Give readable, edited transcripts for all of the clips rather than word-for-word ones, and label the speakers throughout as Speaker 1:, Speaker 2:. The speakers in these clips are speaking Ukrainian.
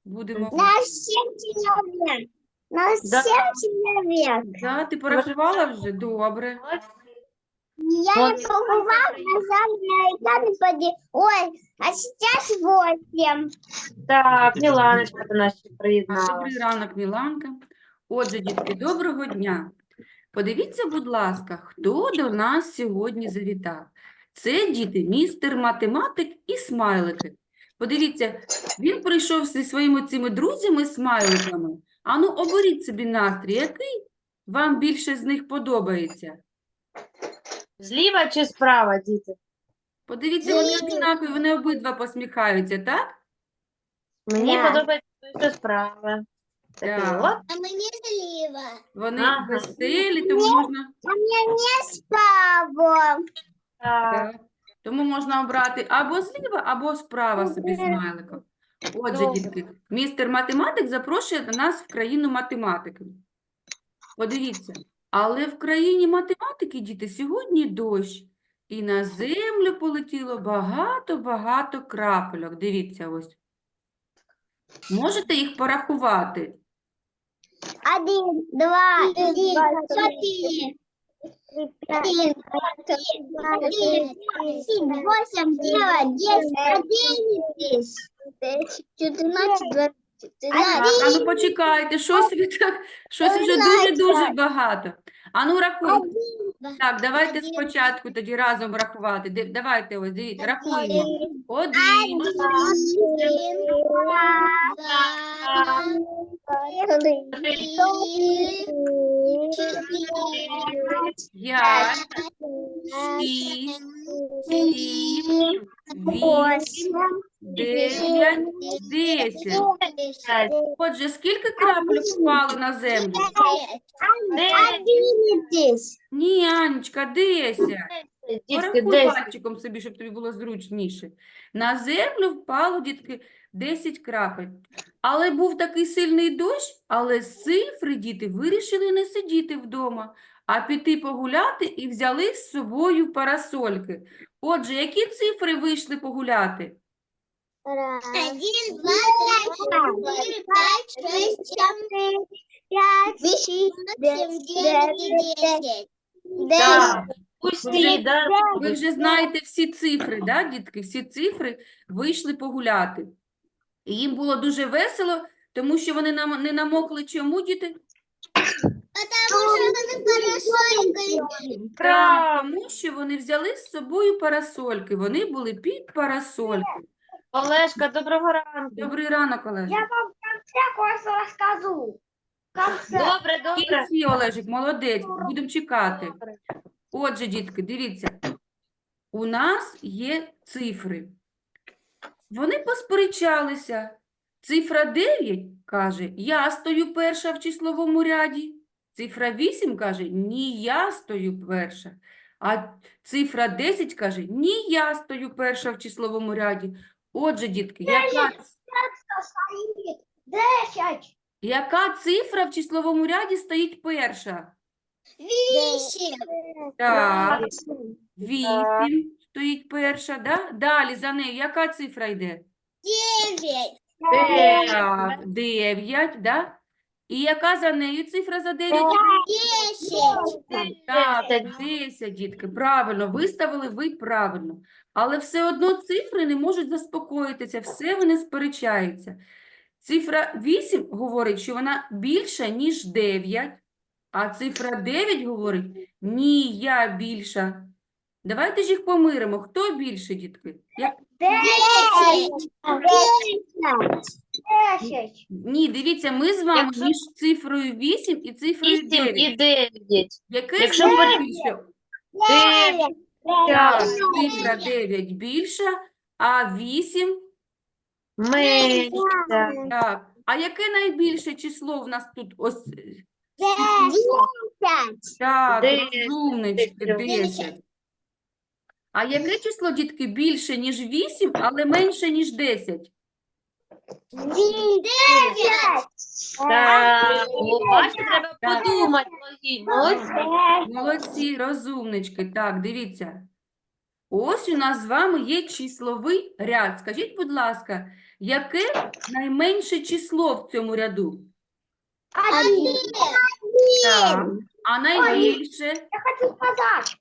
Speaker 1: будемо.
Speaker 2: На 7 человек. На 7 человек.
Speaker 1: Да, ти порахувала вже? Добре.
Speaker 2: Я не побывал, нажал на экран и Ой, а сейчас 8.
Speaker 3: Так, Міланочка до нас ще
Speaker 1: Добрий
Speaker 3: приєдналася.
Speaker 1: ранок, Міланка. Отже, дітки, доброго дня. Подивіться, будь ласка, хто до нас сьогодні завітав. Це, діти, містер математик і смайлики. Подивіться, він прийшов зі своїми цими друзями-смайликами. Ану, оберіть собі настрій, який вам більше з них подобається.
Speaker 3: Зліва чи справа, діти?
Speaker 1: Подивіться, вони однакові, вони обидва посміхаються, так?
Speaker 3: Мені
Speaker 2: Да.
Speaker 3: подобається той, що справа. Такий
Speaker 1: Так.
Speaker 3: от.
Speaker 2: А мне слива.
Speaker 1: Вони
Speaker 3: Ага.
Speaker 1: веселі, тому можна...
Speaker 2: А мне не справа.
Speaker 3: Так.
Speaker 1: Так. Тому можна обрати або зліва, або справа собі смайликом. Отже,
Speaker 3: Добре.
Speaker 1: дітки, містер математик запрошує до нас в країну математики. Подивіться, але в країні математики, діти, сьогодні дощ. І на землю полетіло багато-багато крапельок. Дивіться ось. Можете їх порахувати?
Speaker 2: 1, 2, 3, 4, 5, 6, 8, 9, 10, 11, 14, 20,
Speaker 1: А ну почекайте, щось вже дуже-дуже багато. А ну рахуй. Так, давайте спочатку тоді разом рахувати. Давайте ось, дивіться, рахуємо. 1, 5, 6, 7, 8, 9, 10. Отже, скільки крапель впало на землю?
Speaker 2: 11.
Speaker 1: Ні, Анечка, 10.
Speaker 3: Дітки,
Speaker 1: Порахуй
Speaker 3: 10.
Speaker 1: пальчиком собі, щоб тобі було зручніше. На землю впало, дітки, 10 крапель. Але був такий сильний дощ, але цифри, діти, вирішили не сидіти вдома, а піти погуляти і взяли з собою парасольки. Отже, які цифри вийшли погуляти?
Speaker 2: 1, 2, 3, 4, 5, 6, 7, 8, 9, 10.
Speaker 3: Так. Усі, да?
Speaker 1: Ви вже знаєте всі цифри, да, дітки? Всі цифри вийшли погуляти. І їм було дуже весело, тому що вони не намокли чому, діти? Так, тому що вони взяли з собою парасольки. Вони були під парасольки.
Speaker 3: Олешка, доброго ранку.
Speaker 1: Добрий ранок, Олежик.
Speaker 2: Я вам в конце кое-что расскажу.
Speaker 3: Добре,
Speaker 1: В
Speaker 3: добре.
Speaker 1: кінці, Олежик, молодець, будемо чекати.
Speaker 3: Добре.
Speaker 1: Отже, дітки, дивіться, у нас є цифри. Вони посперечалися. Цифра 9 каже, я стою перша в числовому ряді. Цифра 8 каже, ні, я стою перша. А цифра 10 каже, ні, я стою перша в числовому ряді. Отже, дітки, яка цифра в числовому ряді стоїть перша?
Speaker 2: 8.
Speaker 1: Так, 8 стоїть перша, да? Далі за нею яка цифра йде?
Speaker 2: 9.
Speaker 1: Так, 9, да? І яка за нею цифра за 9?
Speaker 2: 10.
Speaker 1: Так,
Speaker 3: 10.
Speaker 1: 10, дітки, правильно, виставили ви правильно. Але все одно цифри не можуть заспокоїтися, все вони сперечаються. Цифра 8 говорить, що вона більша, ніж 9, а цифра 9 говорить, ні, я більша. Давайте ж їх помиримо. Хто більше, дітки?
Speaker 2: 10.
Speaker 1: Ні, дивіться, ми з вами
Speaker 3: Якщо-
Speaker 1: між цифрою 8 і цифрою
Speaker 3: 8
Speaker 1: 9.
Speaker 3: і 9.
Speaker 1: Яке
Speaker 3: Якщо
Speaker 1: з них
Speaker 3: ми-
Speaker 1: більше?
Speaker 2: 9.
Speaker 1: Так, цифра 9 більша, а 8
Speaker 3: Менше.
Speaker 1: так. А яке найбільше число в нас тут? Ось
Speaker 2: 10.
Speaker 1: так,
Speaker 3: 10,
Speaker 1: розумнички, 10. А яке число, дітки, більше, ніж 8, але менше, ніж 10?
Speaker 2: 9.
Speaker 3: Так, бачите, треба
Speaker 1: Так.
Speaker 3: подумати. Молодці.
Speaker 1: Молодці, розумнички. Так, дивіться. Ось у нас з вами є числовий ряд. Скажіть, будь ласка, яке найменше число в цьому ряду?
Speaker 2: Один.
Speaker 1: Так. А найбільше?
Speaker 2: Я хочу сказать.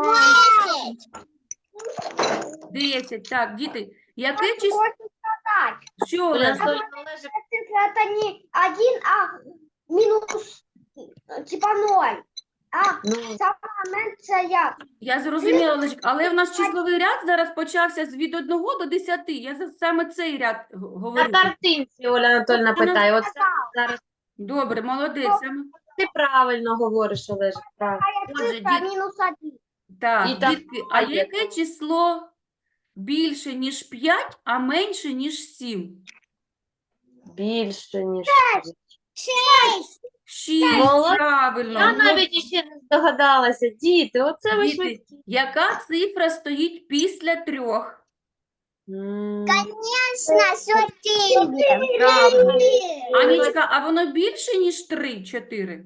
Speaker 1: 10. Так, діти, яке
Speaker 2: Я
Speaker 1: число?
Speaker 2: хочу сказать.
Speaker 1: Що,
Speaker 3: Оля
Speaker 1: Олег?
Speaker 3: Анатольевна, Олежик,
Speaker 2: Цифра это не 1, а минус, типа 0. А
Speaker 3: ну,
Speaker 2: самая меньшая.
Speaker 1: Я зрозуміла, Олежик, але в нас числовий ряд зараз почався від 1 до 10. Я саме цей ряд
Speaker 3: на
Speaker 1: говорю.
Speaker 3: картинці Оля Анатольевна
Speaker 1: Вона
Speaker 3: питає. Оце зараз
Speaker 1: Добре, молодець. Саме.
Speaker 3: ти правильно говориш, Олежик, правильно.
Speaker 1: Отже,
Speaker 2: Цифра
Speaker 1: діт-
Speaker 2: минус 1.
Speaker 1: Так,
Speaker 3: І так,
Speaker 1: дітки, а
Speaker 3: є.
Speaker 1: яке число більше, ніж 5, а менше, ніж 7?
Speaker 3: Більше, ніж.
Speaker 1: 6,
Speaker 3: Молодець.
Speaker 1: правильно.
Speaker 3: Я навіть іще не здогадалася. Діти, оце ви
Speaker 1: Діти,
Speaker 3: швидкі.
Speaker 1: яка цифра стоїть після 3?
Speaker 2: Конечно, 4.
Speaker 1: Правильно. Анічка, а воно більше, ніж 3, 4?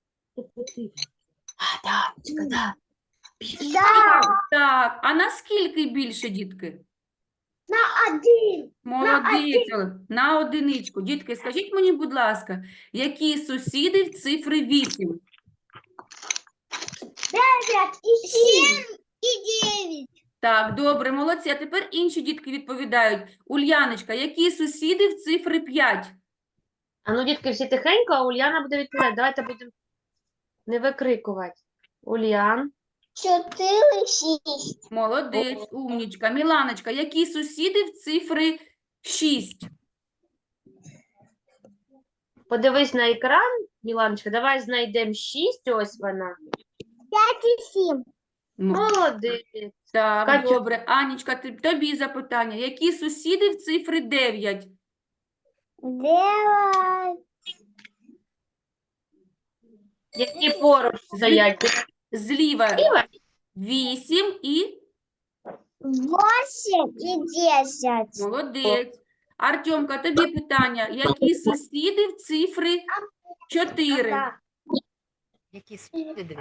Speaker 3: А, да, Анечка, да.
Speaker 2: Да,
Speaker 1: Так, а наскільки більше, дітки?
Speaker 2: на 1.
Speaker 1: Молодець, Олег. На одиничку. Дітки, скажіть мені, будь ласка, які сусіди в цифри 8?
Speaker 2: 9 и 7. И 9.
Speaker 1: Так, добре, молодці. А тепер інші дітки відповідають. Ульяночка, які сусіди в цифри 5?
Speaker 3: А ну, дітки, всі тихенько, а Ульяна буде відповідати. Давайте будемо не викрикувати. Ульян.
Speaker 2: 4, 6.
Speaker 1: Молодець, умнічка. Міланочка, які сусіди в цифри 6?
Speaker 3: Подивись на екран, Міланочка, давай знайдемо 6, ось вона.
Speaker 2: 5 и 7.
Speaker 3: Молодець.
Speaker 1: Так,
Speaker 3: Катю.
Speaker 1: добре. Анічка, тобі запитання. Які сусіди в цифри 9?
Speaker 2: 9.
Speaker 3: Які поруч стоять.
Speaker 1: Зліва
Speaker 3: Зліва?
Speaker 1: 8 і
Speaker 2: 8 и 10.
Speaker 1: молодець. Артемка, тобі питання. Які сусіди в цифри 4?
Speaker 2: Да.
Speaker 4: Які сусіди?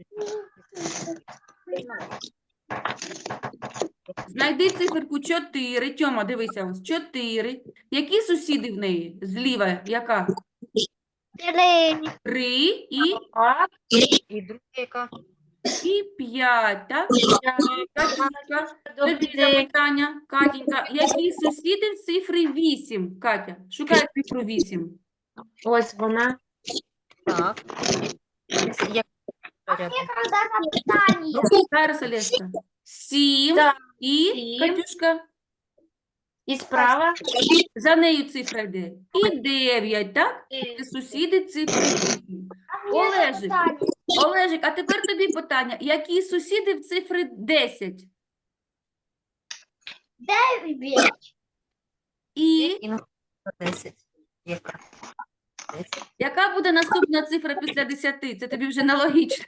Speaker 1: Знайди циферку 4. Тьома, дивися, ось 4. Які сусіди в неї? Зліва яка?
Speaker 2: 3.
Speaker 1: 3 і
Speaker 3: Так,
Speaker 4: І друга яка?
Speaker 1: 5, так? Катюшка, тобі
Speaker 3: добрий день.
Speaker 1: запитання. Катінька, які сусіди в цифри 8? Катя, шукай цифру 8.
Speaker 3: Ось вона.
Speaker 4: Так. Як порядок?
Speaker 2: Когда запитание.
Speaker 1: Зараз, Олешка. 7
Speaker 3: Так,
Speaker 1: і,
Speaker 3: 7.
Speaker 1: Катюшка,
Speaker 3: І справа.
Speaker 1: за нею цифра йде. І 9, так? Це сусіди цифри 8. Олежик. Олежик, а тепер тобі питання. Які сусіди в цифри 10?
Speaker 2: 9.
Speaker 1: І
Speaker 4: І на 10. Яка? 10.
Speaker 1: яка буде наступна цифра після 10? Це тобі вже нелогічно.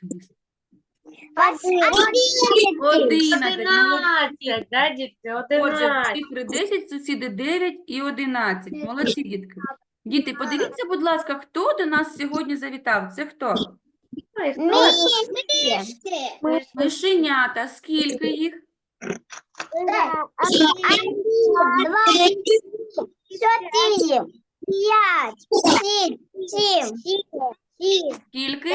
Speaker 1: 11.
Speaker 3: 11, да, дітки?
Speaker 1: Отже, в
Speaker 3: 11.
Speaker 1: цифри 10 сусіди 9 і 11. Молодці, дітки. Діти, подивіться, будь ласка, хто до нас сьогодні завітав? Це хто?
Speaker 3: Ой, хто це?
Speaker 1: Мишенята. Скільки їх?
Speaker 2: 1, 2, 4, 5, 6, 7,
Speaker 1: Скільки?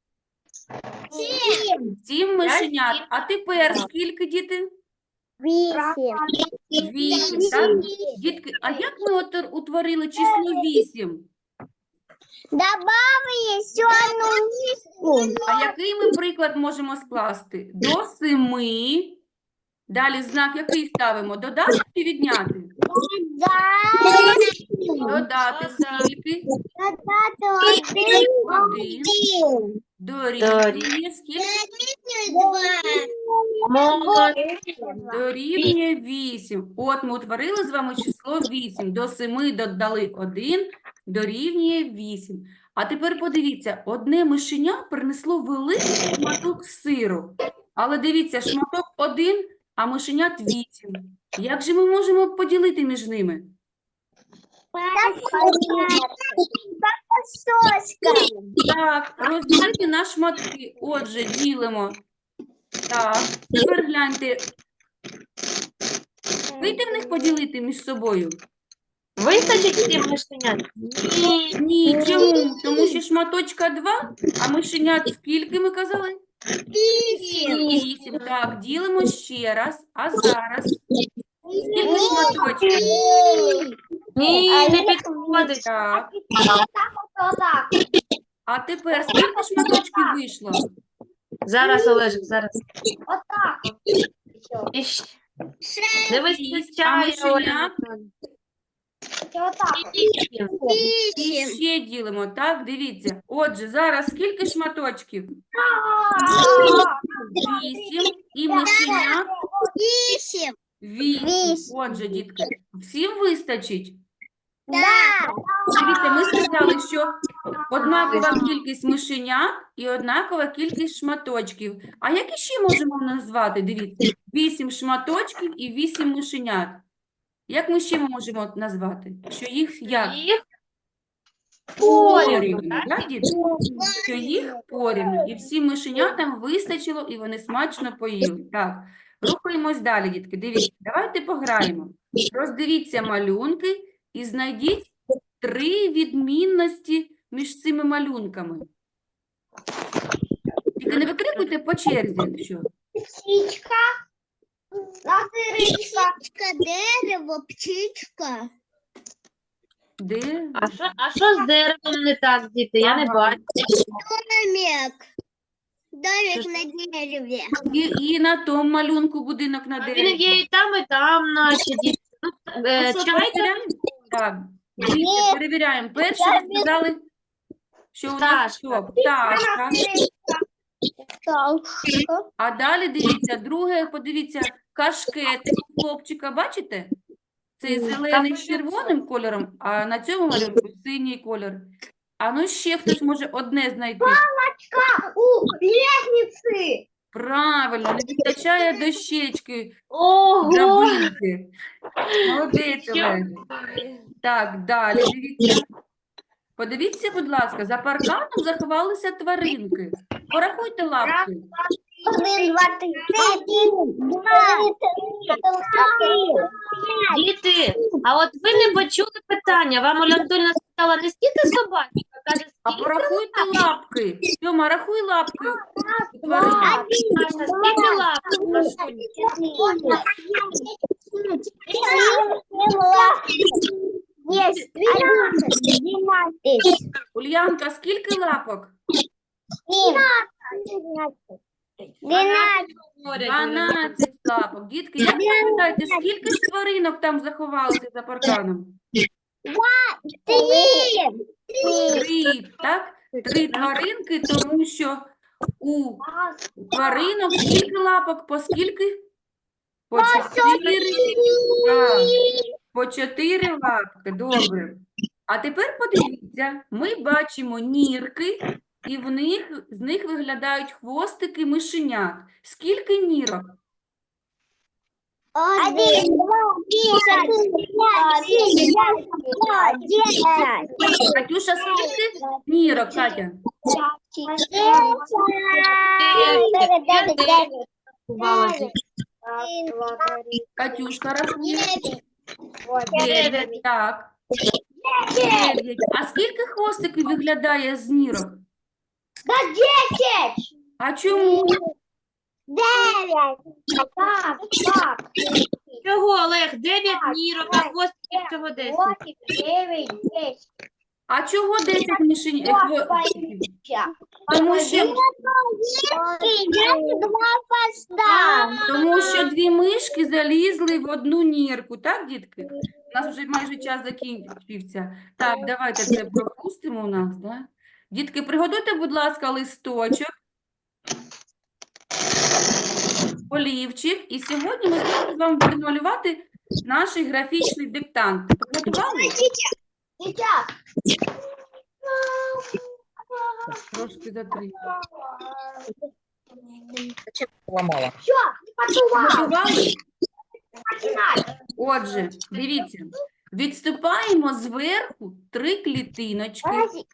Speaker 2: 7,
Speaker 1: 7 мишенят. А тепер скільки, діти?
Speaker 2: 8.
Speaker 1: 8, так? Дітки, а як ми утворили число 8?
Speaker 2: Добавили еще одну миску.
Speaker 1: А який ми приклад можемо скласти? До 7. Далі знак який ставимо? Додати чи відняти? Додати скільки? Один. Дорівнює скільки?
Speaker 3: Молодець.
Speaker 1: Дорівнює 8. От ми утворили з вами число 8. До 7 додали 1, дорівнює 8. А тепер подивіться, одне мишеня принесло великий шматок сиру. Але дивіться, шматок 1, а мишенят 8. Як же ми можемо поділити між ними? Так, розділити на шматки. Отже, ділимо. Так, тепер гляньте. Вийде в них поділити між собою?
Speaker 3: Вистачить всім мишенят? Ні.
Speaker 1: Ні, чому? Тому що шматочка 2, а мишенят скільки ми казали? 8. Так, ділимо ще раз. А зараз скільки шматочків?
Speaker 3: Ні, не підходить.
Speaker 1: Так.
Speaker 2: Отак.
Speaker 1: А тепер скільки шматочків вийшло?
Speaker 3: Зараз, Олежик, зараз.
Speaker 2: Отак.
Speaker 3: Іще. Не
Speaker 1: А
Speaker 3: вистачає,
Speaker 1: мишенят?
Speaker 3: Оля Анатоліївна.
Speaker 2: Отак.
Speaker 3: Вісім.
Speaker 1: І ще ділимо, так? Дивіться. Отже, зараз скільки шматочків? 8. І мишенят
Speaker 2: 8.
Speaker 1: 8. Отже, дітки, всім вистачить?
Speaker 2: Да.
Speaker 1: Дивіться, ми сказали, що однакова кількість мишенят і однакова кількість шматочків. А які ще можемо назвати? Дивіться, 8 шматочків і 8 мишенят. Як ми ще можемо назвати? Що їх як?
Speaker 3: Їх
Speaker 1: Порівну,
Speaker 3: так?
Speaker 1: так, діти? Що їх порівну. І всім мишенятам вистачило, і вони смачно поїли. Так, рухаємось далі, дітки. Дивіться, давайте пограємо. Роздивіться малюнки і знайдіть 3 відмінності між цими малюнками. Тільки не викрикуйте по черзі, якщо.
Speaker 2: Птичка. Птичка, дерево, птичка.
Speaker 1: Де?
Speaker 3: А що з деревом не так, діти? Я не
Speaker 1: Ага.
Speaker 3: бачу.
Speaker 2: Домик. Домик
Speaker 3: Що ж?
Speaker 2: на дереве.
Speaker 1: І на тому малюнку будинок на
Speaker 3: А
Speaker 1: дереві.
Speaker 3: він є і там, наче діти. Ну,
Speaker 1: Ну що,
Speaker 3: чай
Speaker 1: перевіряємо? Так, дивіться, перевіряємо. Перше ви сказали, що у нас
Speaker 3: Пташка.
Speaker 1: що? Пташка.
Speaker 2: Так.
Speaker 1: А далі дивіться, друге, подивіться, кашкетик у хлопчика, бачите? Цей зелений з червоним кольором, а на цьому малюнку синій кольор. А ну ще хтось може одне знайти.
Speaker 2: У лестницы.
Speaker 1: Правильно, не вистачає дощечки,
Speaker 3: Ого!
Speaker 1: драбинки. Молодець,
Speaker 3: Що?
Speaker 1: Олег. Так, далі дивіться. Подивіться, будь ласка, за парканом заховалися тваринки. Порахуйте лапки.
Speaker 2: 1, 2, 3, 4,
Speaker 3: Діти, а от ви не почули питання. Вам Оля Анатольевна сказала, не скільки собачок, а каже,
Speaker 1: А
Speaker 3: скільки
Speaker 1: порахуйте лапки. Тьома, рахуй лапки у тваринок.
Speaker 3: Маша, скільки лапок, Машуня?
Speaker 2: Есть 12.
Speaker 1: Ульянка, скільки лапок?
Speaker 2: 12.
Speaker 3: Говорять, Оля Анатоліївна.
Speaker 1: 12 лапок. Дітки, як ви пам'ятаєте, скільки ж тваринок там заховалося за парканом? 3, так? 3 тваринки, тому що у тваринок скільки лапок, по скільки? По 4. Так, по 4 лапки, добре. А тепер подивіться, ми бачимо нірки, і з них виглядають хвостики мишенят. Скільки нірок?
Speaker 2: 1, 2, 3, 10.
Speaker 1: Катюша, скільки нірок, Катя?
Speaker 3: Бувало, діти.
Speaker 1: Катюшка рахує.
Speaker 3: 9.
Speaker 1: 9, так. 9. А скільки хвостиків виглядає з нірок? А чому?
Speaker 2: 9. Так.
Speaker 3: Чого, Олег? 9 нірок, а хвостиків всього 10.
Speaker 2: 9, 10.
Speaker 1: А чого 10 хвостиків? Тому що, тому що 2 мишки залізли в одну нірку, так, дітки? У нас вже майже час закінчився. Так, давайте це пропустимо у нас, да? Дітки, приготуйте, будь ласка, листочок, олівчик, і сьогодні ми з вами будемо малювати наш графічний диктант. Приготували? Трошки затри.
Speaker 4: Ламала.
Speaker 1: Готували? Отже, дивіться, відступаємо зверху 3 клітиночки,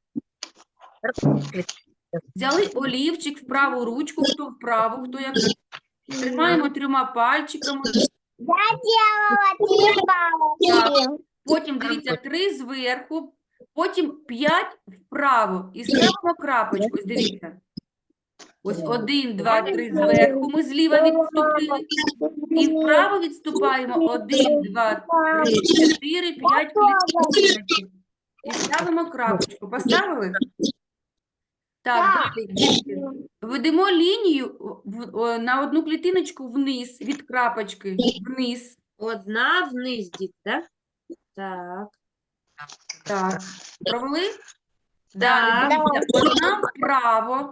Speaker 1: взяли олівчик в праву ручку, хто вправо, хто як. Тримаємо 3 пальчиками
Speaker 2: Я делала 3 палочки.
Speaker 1: Потім, дивіться, 3 зверху, потім 5 вправо. І ставимо крапочку. Ось дивіться. Ось 1, 2, 3 зверху ми зліва відступили. І вправо відступаємо 1, 2, 3, 4, 5 клітиночок. І ставимо крапочку. Поставили? Так, далі, дітки. Ведемо лінію на одну клітиночку вниз, від крапочки, вниз.
Speaker 3: Одна вниз, дід, так? Так.
Speaker 1: Так, провели? Далі,
Speaker 3: Так.
Speaker 1: дивіться, одна вправо.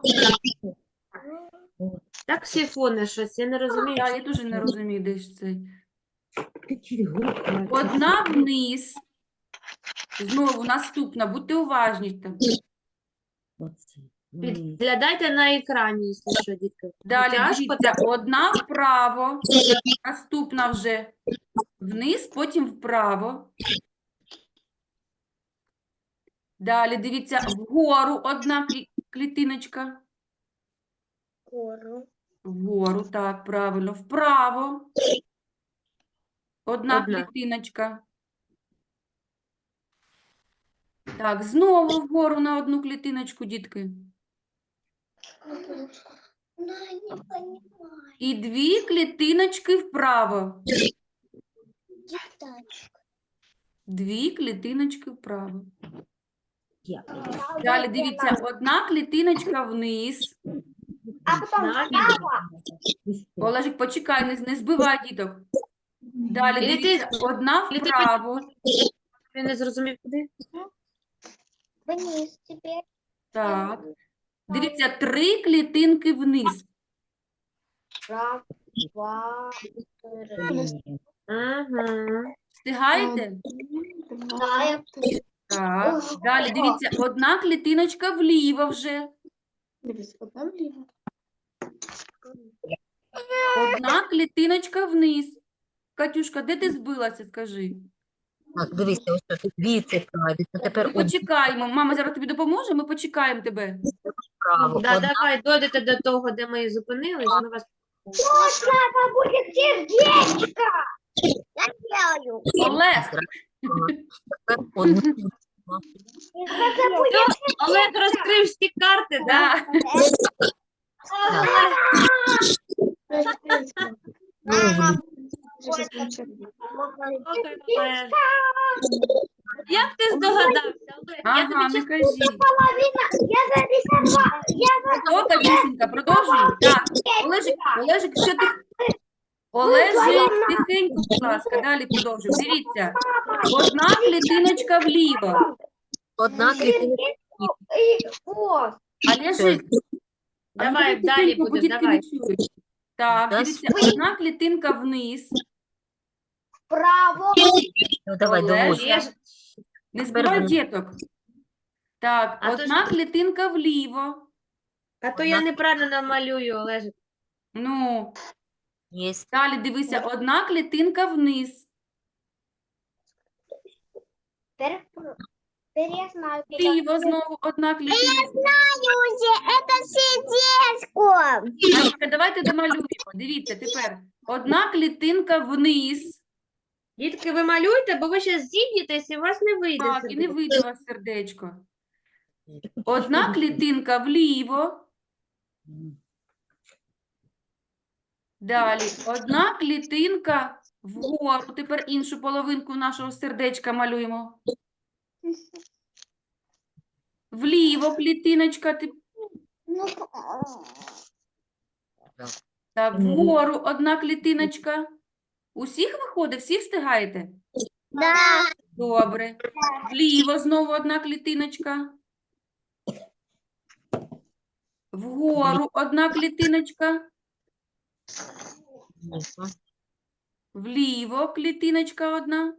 Speaker 3: Так сифони щось, я не розумію.
Speaker 1: Так, я дуже не розумію, де ж це. Одна вниз. Знову наступна, будьте уважні там.
Speaker 3: Підглядайте на екрані, якщо що, дітки.
Speaker 1: Далі,
Speaker 3: Тяжко
Speaker 1: дивіться, одна вправо, наступна вже вниз, потім вправо. Далі, дивіться, вгору одна клітиночка. Вгору, так, правильно. Вправо. Одна
Speaker 3: Одна.
Speaker 1: клітиночка. Так, знову вгору на одну клітиночку, дітки.
Speaker 2: Не понимаю.
Speaker 1: І 2 клітиночки вправо. 2 клітиночки вправо. Далі, дивіться, одна клітиночка вниз.
Speaker 2: А потом
Speaker 1: Олежик, почекай, не збивай діток. Далі,
Speaker 3: Кліти-
Speaker 1: дивіться, одна
Speaker 3: кліти-
Speaker 1: вправо.
Speaker 3: Я не зрозумів, куди.
Speaker 2: вниз теперь.
Speaker 1: Так. Дивіться, 3 клітинки вниз.
Speaker 2: Раз, два,
Speaker 3: Ага.
Speaker 1: Встигаєте?
Speaker 2: Да,
Speaker 1: Так. Далі, дивіться, одна клітиночка вліво вже. Одна клітиночка вниз. Катюшка, де ти збилася, скажи?
Speaker 4: Так, дивися, ось тут 2 цікаві. Це тепер
Speaker 1: Почекаємо. Мама зараз тобі допоможе, ми почекаємо тебе.
Speaker 4: право.
Speaker 3: Да,
Speaker 4: Одна
Speaker 3: давай, дойдете до того, де ми зупинились, ми вас...
Speaker 2: Вот это будет сердечко. Я делаю.
Speaker 1: Олег,
Speaker 4: тепер одну.
Speaker 2: Это будет
Speaker 3: Олег розкрив всі карти, да?
Speaker 1: да.
Speaker 3: Слухай, Олег. Як ти здогадався, Олег? Я
Speaker 1: Ага,
Speaker 3: тобі
Speaker 1: не
Speaker 3: чесно
Speaker 1: кажи.
Speaker 2: половина. Я зарисовала.
Speaker 1: Хто, Катюшенька, продовжуй. Так, Олежик, що ти? Олежик, тихенько, будь ласка, далі продовжуй. Дивіться, одна клітиночка вліво.
Speaker 4: Одна клітинка.
Speaker 2: О,
Speaker 1: Олежик,
Speaker 3: Давай, далі
Speaker 1: бо
Speaker 3: будемо,
Speaker 1: дітки
Speaker 3: давай.
Speaker 1: не чують. Так,
Speaker 4: Да,
Speaker 1: дивіться, одна клітинка вниз.
Speaker 2: право.
Speaker 4: Ну, давай,
Speaker 1: Олег.
Speaker 4: доводь.
Speaker 3: Я ж-
Speaker 1: Не збивай
Speaker 4: вниз.
Speaker 1: діток. Так,
Speaker 3: А то ж-
Speaker 1: одна клітинка вліво.
Speaker 3: А то я неправильно намалюю, Олежик.
Speaker 1: Ну,
Speaker 4: Єсть.
Speaker 1: далі дивися, одна клітинка вниз.
Speaker 2: Теперь я знаю.
Speaker 1: Вліво знову одна клітиночка.
Speaker 2: Это сердечко.
Speaker 1: Анечка, давайте домалюємо. Дивіться, тепер одна клітинка вниз.
Speaker 3: Дітки, ви малюйте, бо ви ще зіб'єтесь і у вас не вийде.
Speaker 1: Так, і не
Speaker 3: сердечко.
Speaker 1: вийде у вас сердечко. Одна клітинка вліво. Далі. Одна клітинка вгору. Тепер іншу половинку нашого сердечка малюємо. Вліво клітиночка.
Speaker 2: Ну,
Speaker 1: Так, вгору одна клітиночка. Усіх виходить? Всі встигаєте?
Speaker 2: да.
Speaker 1: Добре. Вліво знову одна клітиночка. Вгору одна клітиночка. Вліво клітиночка одна.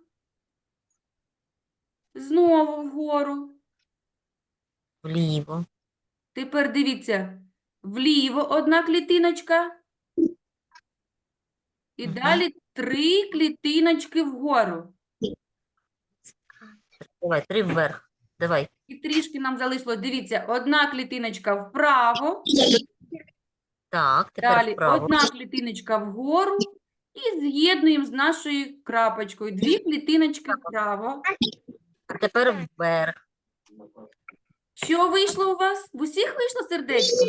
Speaker 1: Знову вгору.
Speaker 4: Вліво.
Speaker 1: Тепер дивіться. Вліво одна клітиночка. І
Speaker 4: Мгм.
Speaker 1: далі 3 клітиночки вгору.
Speaker 4: Давай, 3 вверх. Давай.
Speaker 1: І трішки нам залишилось. Дивіться, одна клітиночка вправо.
Speaker 4: Так, тепер
Speaker 1: Далі
Speaker 4: вправо.
Speaker 1: одна клітиночка вгору і з'єднуємо з нашою крапочкою. 2 клітиночки вправо.
Speaker 4: А тепер вверх.
Speaker 1: Що вийшло у вас? В усіх вийшло сердечко?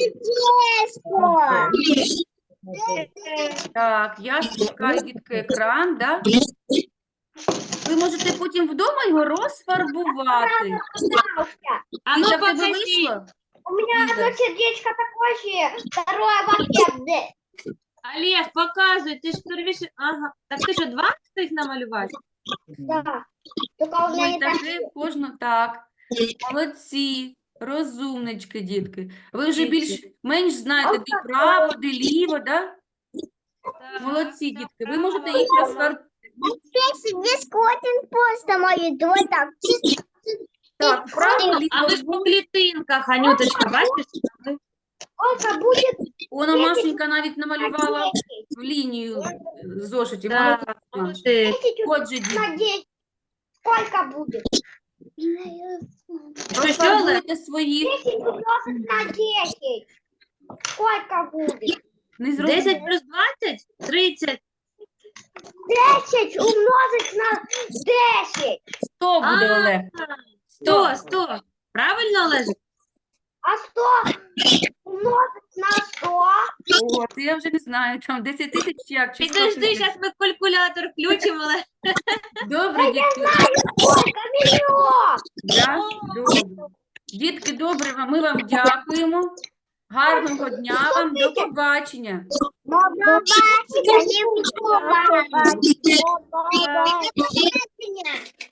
Speaker 1: Так, я спускаю, дітки, екран, да? Ви можете потім вдома його розфарбувати.
Speaker 3: А ну
Speaker 1: Ліза, в тебе
Speaker 3: покажіть.
Speaker 1: вийшло?
Speaker 2: У меня
Speaker 1: Лиза.
Speaker 2: одно сердечко такое же, второе в ответ.
Speaker 3: Олег, показуй, ти ж первіше. Ага. Так ти що, 2 встиг намалювати?
Speaker 2: Да. Только у меня
Speaker 1: Ой,
Speaker 2: не так.
Speaker 1: таке кожно так. Молодці, розумнички, дітки. Ви вже більш-менш знаєте, де право, де ліво, да? Молодці, дітки. Ви можете їх розфарбувати.
Speaker 2: Здесь один просто мои двое так.
Speaker 1: Так, право,
Speaker 3: А
Speaker 1: ліво.
Speaker 3: ви ж по клітинках, Анюточка, бачиш?
Speaker 2: Сколько будет?
Speaker 1: Вона Машенька навіть намалювала в лінію зошитів.
Speaker 3: Так, молодець.
Speaker 1: Отже, дітки,
Speaker 2: На 10. Сколько будет?
Speaker 3: Що,
Speaker 1: розфарбуйте свої.
Speaker 2: 10 умножить на 10. Сколько будет?
Speaker 1: Не зрозуміло.
Speaker 3: 10 плюс 20? 30.
Speaker 2: 10 умножить на 10.
Speaker 1: 100 буде,
Speaker 3: А,
Speaker 1: Олег.
Speaker 3: 100, 100. Правильно, Олежик?
Speaker 2: А 100 умножить на 100.
Speaker 1: О, це я вже не знаю, там 10 тисяч як, чи 100
Speaker 3: Підожди,
Speaker 1: тисяч.
Speaker 3: зараз ми калькулятор включимо, але
Speaker 1: Добре, дітки.
Speaker 2: Сколько? Миллион.
Speaker 1: Да? Добре. Дітки, добре, ми вам дякуємо. Гарного дня вам, до побачення.
Speaker 2: До побачення.